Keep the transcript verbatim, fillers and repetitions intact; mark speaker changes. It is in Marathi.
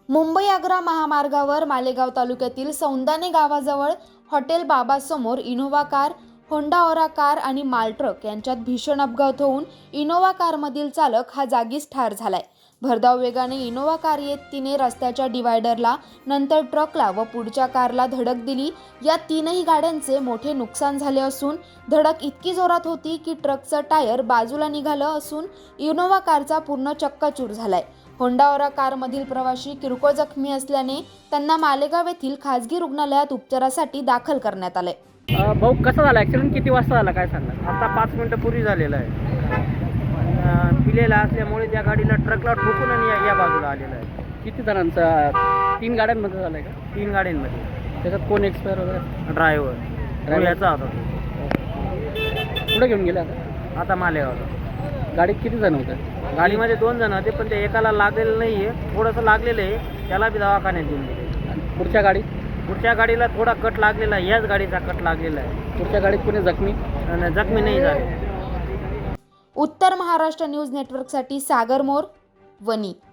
Speaker 1: मुंबई आग्रा महामार्गावर मालेगाव तालुक्यातील सौंदाणे गावाजवळ हॉटेल बाबासमोर Innova car, Honda Aura car आणि मालट्रक यांच्यात भीषण अपघात होऊन इनोव्हा कारमधील चालक हा जागीच ठार झालाय। भरधाव वेगाने इनोव्हा कार येत तिने रस्त्याच्या डिवायडरला, नंतर ट्रकला व पुढच्या कारला धडक दिली। या तीनही गाड्यांचे मोठे नुकसान झाले असून धडक इतकी जोरात होती की ट्रकचं टायर बाजूला निघालं असून इनोव्हा कारचा पूर्ण चक्काचूर झालाय। होंडा ओरा कारमधील प्रवासी किरकोळ जखमी असल्याने त्यांना मालेगाव येथील खासगी रुग्णालयात उपचारासाठी दाखल करण्यात आले।
Speaker 2: भाऊ, कसा झाला ॲक्सिडेंट? किती वाजता झाला काय सांगा?
Speaker 3: आता पाच मिनटं पूर्वी झालेला आहे। पिलेला असल्यामुळे त्या गाडीला ट्रकला ठोकून आणि या- या बाजूला आलेला आहे।
Speaker 2: किती जणांचा? तीन गाड्यांमध्ये झालं आहे का?
Speaker 3: तीन गाड्यांमध्ये
Speaker 2: त्याच्यात कोण एक्सपायर वगैरे?
Speaker 3: ड्रायव्हर याचा होता तो।
Speaker 2: कुठे घेऊन गेले आता?
Speaker 3: आता मालेगावला।
Speaker 2: गाडीत किती जण होते?
Speaker 3: गाडीमध्ये दोन जण होते, पण ते एकाला लागलेलं नाही आहे, थोडंसं लागलेलं आहे, त्याला बी दवाखान्यात घेऊन गेले।
Speaker 2: आणि पुढच्या गाडीत?
Speaker 3: पुढच्या गाडीला थोडा कट लागलेला आहे, याच गाडीचा कट लागलेला आहे।
Speaker 2: पुढच्या गाडीत कोणी जखमी?
Speaker 3: आणि जखमी नाही झाले।
Speaker 1: उत्तर महाराष्ट्र न्यूज नेटवर्कसाठी सागर मोर, वनी।